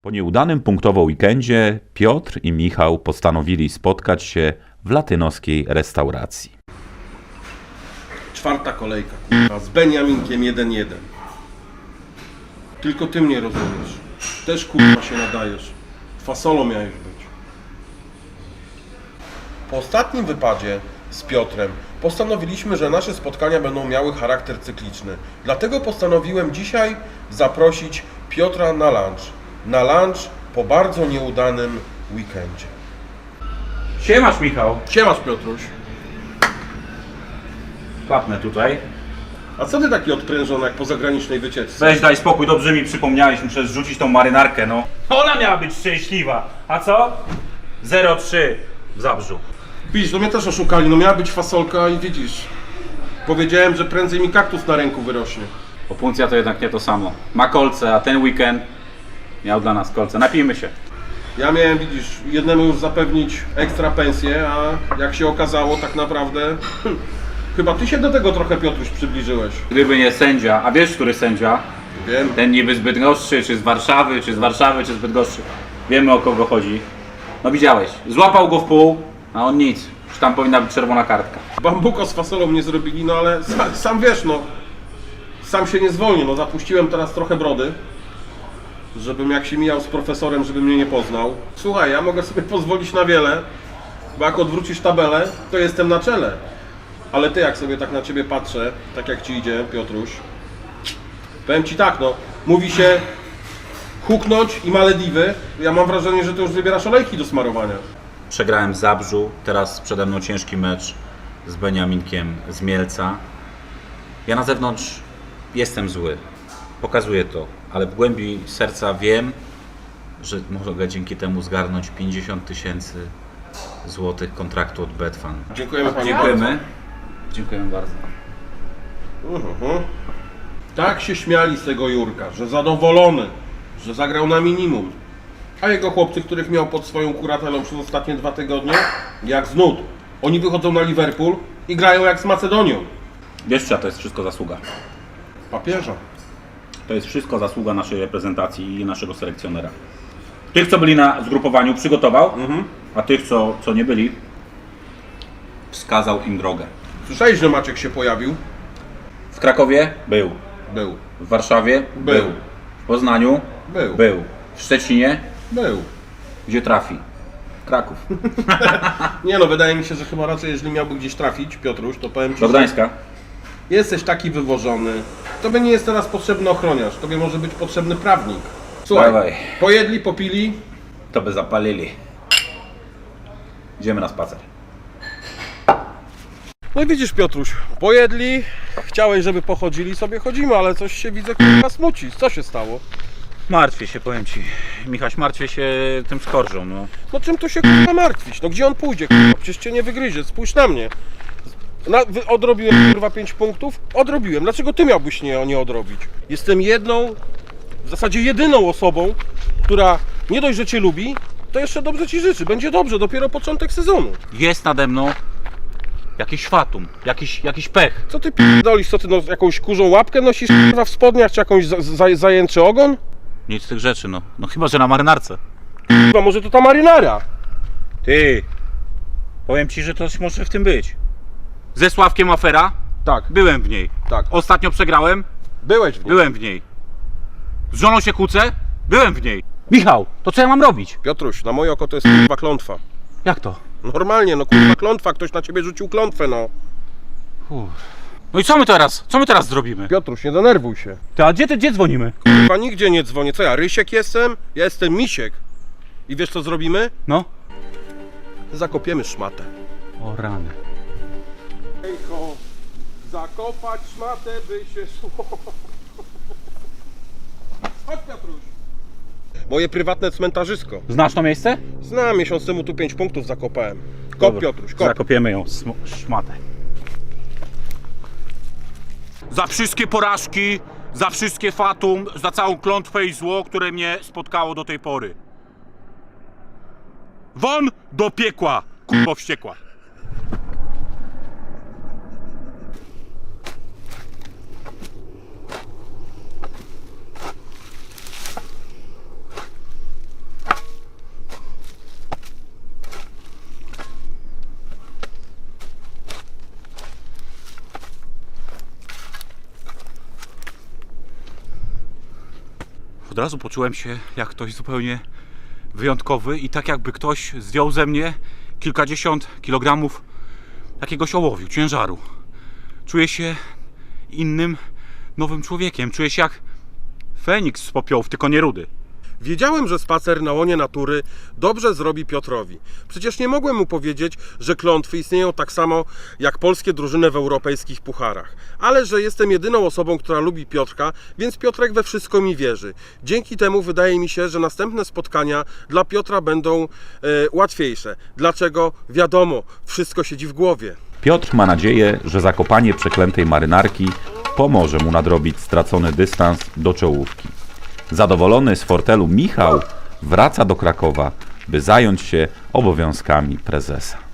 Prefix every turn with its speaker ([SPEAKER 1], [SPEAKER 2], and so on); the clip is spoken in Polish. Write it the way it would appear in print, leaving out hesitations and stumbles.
[SPEAKER 1] Po nieudanym punktowo weekendzie Piotr i Michał postanowili spotkać się w latynoskiej restauracji.
[SPEAKER 2] Czwarta kolejka, k***a, z Beniaminkiem 1-1. Tylko ty mnie rozumiesz. Też k***a się nadajesz. Fasolą miałeś być. Po ostatnim wypadzie z Piotrem postanowiliśmy, że nasze spotkania będą miały charakter cykliczny. Dlatego postanowiłem dzisiaj zaprosić Piotra na lunch. Na lunch po bardzo nieudanym weekendzie.
[SPEAKER 3] Siemasz, Michał.
[SPEAKER 2] Siemasz, Piotruś.
[SPEAKER 3] Klapnę tutaj.
[SPEAKER 2] A co ty taki odprężony jak po zagranicznej wycieczce?
[SPEAKER 3] Weź daj spokój, dobrze mi przypomniałeś, muszę zrzucić tą marynarkę, no. Ona miała być szczęśliwa. A co? 0,3 w Zabrzu.
[SPEAKER 2] Widzisz, no mnie też oszukali, no miała być fasolka i widzisz. Powiedziałem, że prędzej mi kaktus na ręku wyrośnie.
[SPEAKER 3] Opuncja to jednak nie to samo. Ma kolce, a ten weekend miał dla nas kolce. Napijmy się.
[SPEAKER 2] Ja miałem, widzisz, jednemu już zapewnić ekstra pensję, a jak się okazało tak naprawdę... Chyba ty się do tego trochę, Piotruś, przybliżyłeś.
[SPEAKER 3] Gdyby nie sędzia, a wiesz, który sędzia?
[SPEAKER 2] Wiem.
[SPEAKER 3] Ten niby z Bydgoszczy, czy z Warszawy, czy z Bydgoszczy. Wiemy, o kogo chodzi. No widziałeś, złapał go w pół, a on nic. Już tam powinna być czerwona kartka.
[SPEAKER 2] Bambuko z fasolą nie zrobili, no ale sam wiesz, no. Sam się nie zwolnię, no zapuściłem teraz trochę brody. Żebym jak się mijał z profesorem, żeby mnie nie poznał. Słuchaj, ja mogę sobie pozwolić na wiele, bo jak odwrócisz tabelę, to jestem na czele. Ale ty, jak sobie tak na ciebie patrzę, tak jak ci idzie, Piotruś, powiem ci tak, no, mówi się huknąć i Malediwy. Ja mam wrażenie, że ty już wybierasz olejki do smarowania.
[SPEAKER 3] Przegrałem w Zabrzu, teraz przede mną ciężki mecz z Beniaminkiem z Mielca. Ja na zewnątrz jestem zły, pokazuję to, ale w głębi serca wiem, że mogę dzięki temu zgarnąć 50 000 złotych kontraktu od Betfan.
[SPEAKER 2] Dziękujemy panu
[SPEAKER 3] Dziękujemy. Dziękujemy bardzo.
[SPEAKER 2] bardzo. Tak się śmiali z tego Jurka, że zadowolony, że zagrał na minimum. A jego chłopcy, których miał pod swoją kuratelą przez ostatnie 2 tygodnie, jak z nut. Oni wychodzą na Liverpool i grają jak z Macedonią.
[SPEAKER 3] Wiesz, czyja to jest wszystko zasługa?
[SPEAKER 2] Papieża.
[SPEAKER 3] To jest wszystko zasługa naszej reprezentacji i naszego selekcjonera. Tych, co byli na zgrupowaniu, przygotował, a tych, co nie byli, wskazał im drogę.
[SPEAKER 2] Słyszałeś, że Maciek się pojawił?
[SPEAKER 3] W Krakowie był.
[SPEAKER 2] Był.
[SPEAKER 3] W Warszawie
[SPEAKER 2] Był.
[SPEAKER 3] W Poznaniu
[SPEAKER 2] Był.
[SPEAKER 3] był. W Szczecinie
[SPEAKER 2] Był.
[SPEAKER 3] gdzie trafi? Kraków.
[SPEAKER 2] Nie no, wydaje mi się, że chyba raczej, jeżeli miałby gdzieś trafić, Piotruś, to powiem ci,
[SPEAKER 3] Do Gdańska.
[SPEAKER 2] że jesteś taki wywożony. Tobie nie jest teraz potrzebny ochroniarz, tobie może być potrzebny prawnik. Słuchaj,
[SPEAKER 3] Dawaj.
[SPEAKER 2] pojedli, popili.
[SPEAKER 3] To by zapalili. Idziemy na spacer.
[SPEAKER 2] No i widzisz, Piotruś, pojedli, chciałeś, żeby pochodzili, sobie chodzimy, ale coś się widzę, kurwa, smuci. Co się stało?
[SPEAKER 3] Martwię się, powiem ci. Michaś, martwię się tym skorżą, no.
[SPEAKER 2] No czym tu się, kurwa, martwić? No gdzie on pójdzie, kurwa? Przecież cię nie wygryzie, spójrz na mnie. Odrobiłem, kurwa, 5 punktów? Odrobiłem. Dlaczego ty miałbyś nie odrobić? Jestem jedną, w zasadzie jedyną osobą, która nie dość, że cię lubi, to jeszcze dobrze ci życzy. Będzie dobrze, dopiero początek sezonu.
[SPEAKER 3] Jest nade mną jakiś fatum, jakiś pech.
[SPEAKER 2] Co ty p***dolisz? Co ty, no, jakąś kurzą łapkę nosisz, kurwa, w spodniach, czy jakąś zajęczy ogon?
[SPEAKER 3] Nic z tych rzeczy, no. No chyba, że na marynarce.
[SPEAKER 2] Kurwa, może to ta marynara?
[SPEAKER 3] Ty, powiem ci, że coś może w tym być. Ze Sławkiem afera?
[SPEAKER 2] Tak,
[SPEAKER 3] Byłem w niej.
[SPEAKER 2] tak.
[SPEAKER 3] Ostatnio przegrałem?
[SPEAKER 2] Byłeś w nim.
[SPEAKER 3] Byłem w niej. Z żoną się kłócę? Byłem w niej. Michał, to co ja mam robić?
[SPEAKER 2] Piotroś, na moje oko to jest kurwa klątwa.
[SPEAKER 3] Jak to?
[SPEAKER 2] Normalnie, no kurwa klątwa, ktoś na ciebie rzucił klątwę, no.
[SPEAKER 3] No i co my teraz zrobimy?
[SPEAKER 2] Piotruś, nie denerwuj się.
[SPEAKER 3] Ty, a gdzie dzwonimy?
[SPEAKER 2] Kurwa, nigdzie nie dzwonię. Co ja, Rysiek jestem? Ja jestem Misiek. I wiesz co zrobimy?
[SPEAKER 3] No.
[SPEAKER 2] Zakopiemy szmatę.
[SPEAKER 3] O rany.
[SPEAKER 2] Ejko, zakopać szmatę by się szło. Chodź, Piotruś. Moje prywatne cmentarzysko.
[SPEAKER 3] Znasz to miejsce?
[SPEAKER 2] Znam, miesiąc temu tu 5 punktów zakopałem. Kop,
[SPEAKER 3] Dobra,
[SPEAKER 2] Piotruś, kop.
[SPEAKER 3] Zakopiemy ją, szmatę. Za wszystkie porażki, za wszystkie fatum, za całą klątwę i zło, które mnie spotkało do tej pory. Won do piekła, kurwo wściekła.
[SPEAKER 4] Od razu poczułem się jak ktoś zupełnie wyjątkowy i tak jakby ktoś zdjął ze mnie kilkadziesiąt kilogramów jakiegoś ołowiu, ciężaru. Czuję się innym, nowym człowiekiem. Czuję się jak Feniks z popiołów, tylko nie rudy.
[SPEAKER 2] Wiedziałem, że spacer na łonie natury dobrze zrobi Piotrowi. Przecież nie mogłem mu powiedzieć, że klątwy istnieją tak samo jak polskie drużyny w europejskich pucharach. Ale że jestem jedyną osobą, która lubi Piotrka, więc Piotrek we wszystko mi wierzy. Dzięki temu wydaje mi się, że następne spotkania dla Piotra będą łatwiejsze. Dlaczego? Wiadomo, wszystko siedzi w głowie.
[SPEAKER 1] Piotr ma nadzieję, że zakopanie przeklętej marynarki pomoże mu nadrobić stracony dystans do czołówki. Zadowolony z fortelu Michał wraca do Krakowa, by zająć się obowiązkami prezesa.